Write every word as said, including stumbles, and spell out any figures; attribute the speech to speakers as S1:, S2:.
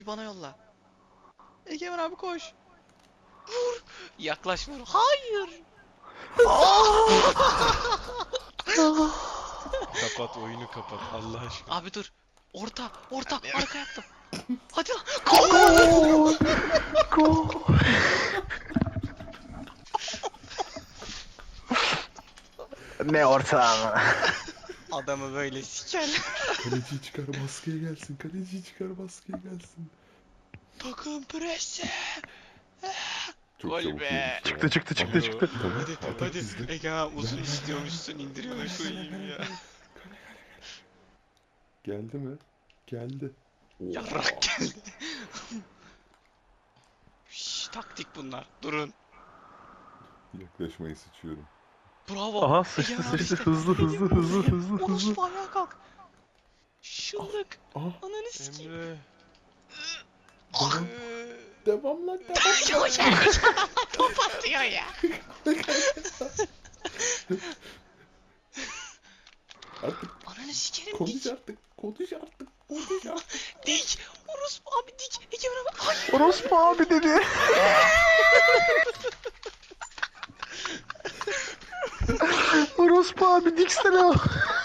S1: Bana yolla. Egemen abi koş. Vur. Yaklaş vur. Hayır.
S2: Kapat oyunu kapat Allah aşkına.
S1: Abi dur. Orta. Orta. Arka yaptım. Hadi lan.
S3: Gol! Gol! Ne ortağım?
S1: Adamı böyle siker.
S4: Kaleci çıkar baskıya gelsin. Kaleci çıkar baskıya gelsin.
S1: Takım presi.
S4: Çok
S1: Gol
S4: çabuk
S1: be.
S4: yedik ya.
S3: Çıktı çıktı çıktı çıktı.
S4: Tamam.
S1: Hadi
S4: atak
S1: hadi.
S4: bizde.
S1: Egemen uzun istiyormuşsun indiriyormuş koyayım ya.
S4: Geldi mi? Geldi.
S1: Yarrak geldi. Şşş, taktik bunlar. Durun.
S4: Yaklaşmayı sıçıyorum.
S1: Bravo.
S3: Aha sıçtı
S1: Egemen abi
S3: sıçtı
S1: işte.
S3: hızlı hızlı hızlı hızlı hızlı.
S1: Orospu ayağa kalk. Şıllık.
S4: Aha.
S1: Ananı sikeyim.
S2: Emre.
S1: Ah.
S4: Devam lan devam.
S1: Yok ya. Top atıyor ya.
S4: Artık
S1: Ananı sikerim
S4: konuş
S1: dik.
S4: artık. Konuş artık. Konuş artık.
S1: Dik. Orospu abi dik. Egemen abi. Hayır.
S3: Orospu abi dedi. Orospu abi diksene.